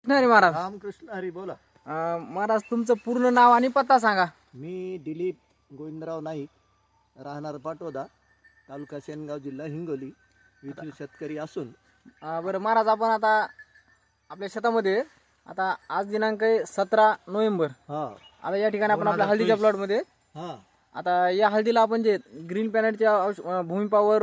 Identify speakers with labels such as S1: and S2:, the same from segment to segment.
S1: हरी महाराज.
S2: रामकृष्ण हरी. बोला.
S1: महाराज तुमचं पूर्ण नाव आणि पत्ता सांगा.
S2: मी दिलीप गोविंदराव नाईक, राहणार पाटोदा, तालुका सेनगाव, जिल्हा हिंगोली येथील शेतकरी असून.
S1: बरं महाराज, आपण आता आपल्या शेतामध्ये आता आज दिनांक आहे 17 नोव्हेंबर.
S2: हा
S1: आता या ठिकाणी आपण आपल्या हळदीच्या प्लॉट मध्ये
S2: हा
S1: आता या हळदीला आपण जे ग्रीन प्लॅनेटच्या Bhumi power,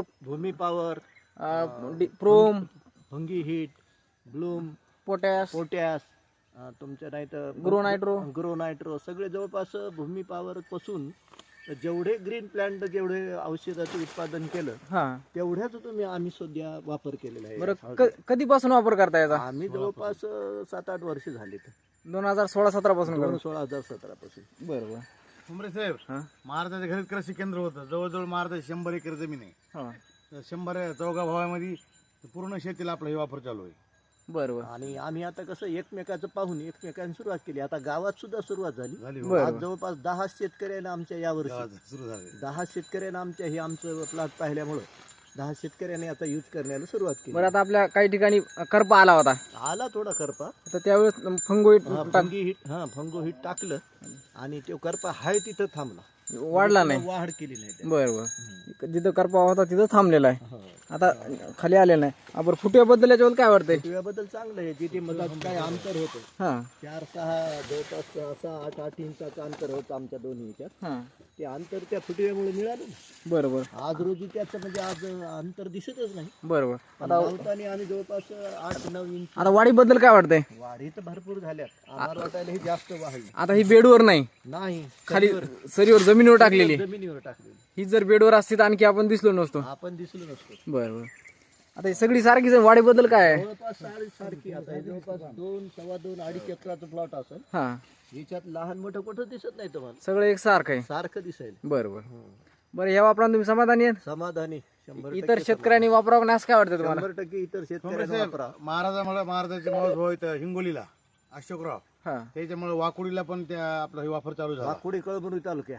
S1: prom,
S2: fungi hit, bloom,
S1: potash,
S2: तुमच्या नाही तर
S1: ग्रो
S2: नायट्रो सगळे जवळपास भूमी पॉवर पासून जेवढे ग्रीन प्लांट जेवढे औषधाचं उत्पादन केलं तेवढ्याच आम्ही सध्या वापर केलेला आहे.
S1: बरं, कधीपासून वापर करता याचा?
S2: आम्ही जवळपास 7-8 वर्ष झाले.
S1: 2016-17 पासून.
S2: 2016-17 पासून.
S1: बरोबर.
S3: उमरे साहेब, महाराजाच्या घरी कृषी केंद्र होतं. जवळजवळ महाराजाची 100 एकर जमीन आहे. तर 100 चौगा भावामध्ये पूर्ण शेतीला आपला हे वापर चालू आहे.
S1: बरोबर.
S2: आणि आम्ही आता कसं एकमेकाचं पाहून एकमेकांनी सुरुवात केली. आता गावात सुद्धा सुरुवात झाली. आज जवळपास 10 शेतकऱ्यांना आमच्या यावर्षी
S3: सुरू झाले.
S2: 10 शेतकऱ्यांना आमच्या हे आमचं प्लॉट पाहिल्यामुळं 10 शेतकऱ्यांनी आता यूज करण्याला सुरुवात केली.
S1: बरं, आता आपल्या काही ठिकाणी करपा आला होता.
S2: आला थोडा करपा.
S1: तर त्यावेळेस फंगो
S2: फंगो हिट टाकलं आणि तो करपा हाय तिथं थांबला,
S1: वाढला नाही,
S2: वाढ केली नाही.
S1: बरोबर. जिथं करपा होता तिथं थांबलेला आहे, आता खाली आलेला नाही. आपण फुटव्याबद्दल याच्यावर काय वाटतंय?
S2: फुटव्याबद्दल चांगलं आहे. जिथे मधात काय अंतर होतं 4-6 जवळपास 7-8 इंचाचं अंतर होतं आमच्या दोन्ही ह्याच्यात. ते अंतर त्या फुटव्यामुळे मिळालं.
S1: बरोबर.
S2: आज रोजी त्याचं म्हणजे आज अंतर दिसतच नाही.
S1: बरोबर.
S2: आता लावताना आणि जवळपास 8-9 इंच.
S1: आता वाढीबद्दल काय वाटतंय?
S2: वाढी तर भरपूर झाल्यात. आम्हाला वाटायला ही जास्त वाढली
S1: आता. ही बेडवर नाही, खाली सरीवर जमिनीवर टाकलेली. ही जर बेडवर असती तर आणखी आपण दिसलो नसतो. बरोबर. आता ही सगळी सारखीच. वाढीबद्दल काय आहे?
S2: जवळपास सारखी. आता जवळपास 2-2.5 एकराचं प्लॉट असेल. याच्यात लहान मोठं कुठं दिसत नाही तुम्हाला.
S1: सगळं एक सारखं आहे,
S2: सारखं दिसेल.
S1: बरोबर. बरं, या वापरान तुम्ही समाधानी आहेत?
S2: समाधानी. 100%
S1: इतर शेतकऱ्यांनी वापरावं नाही असं काय वाटतं तुम्हाला?
S2: 100% इतर शेतकऱ्यांनी वापरा.
S3: महाराजाचे मावस भाऊ इथं हिंगोलीला अशोकराव, त्याच्यामुळे वाकुडीला पण त्या आपला हे वापर चालू झाला.
S2: वाकुडी कळमनुरी तालुक्या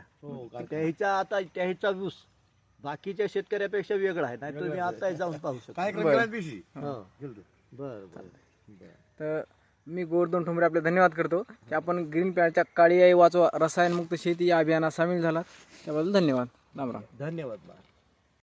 S2: त्याचा ऊस बाकीच्या शेतकऱ्यापेक्षा वेगळा आहे. नाही तुम्ही आता जाऊन पाहू शकता.
S1: तर मी गोवर्धन ठोंबरे आपले धन्यवाद करतो की आपण ग्रीन प्लॅनेटच्या काळी आई वाचवा रसायनमुक्त शेती या अभियानात सामील झाला. त्याबद्दल धन्यवाद. राम राम.
S2: धन्यवाद.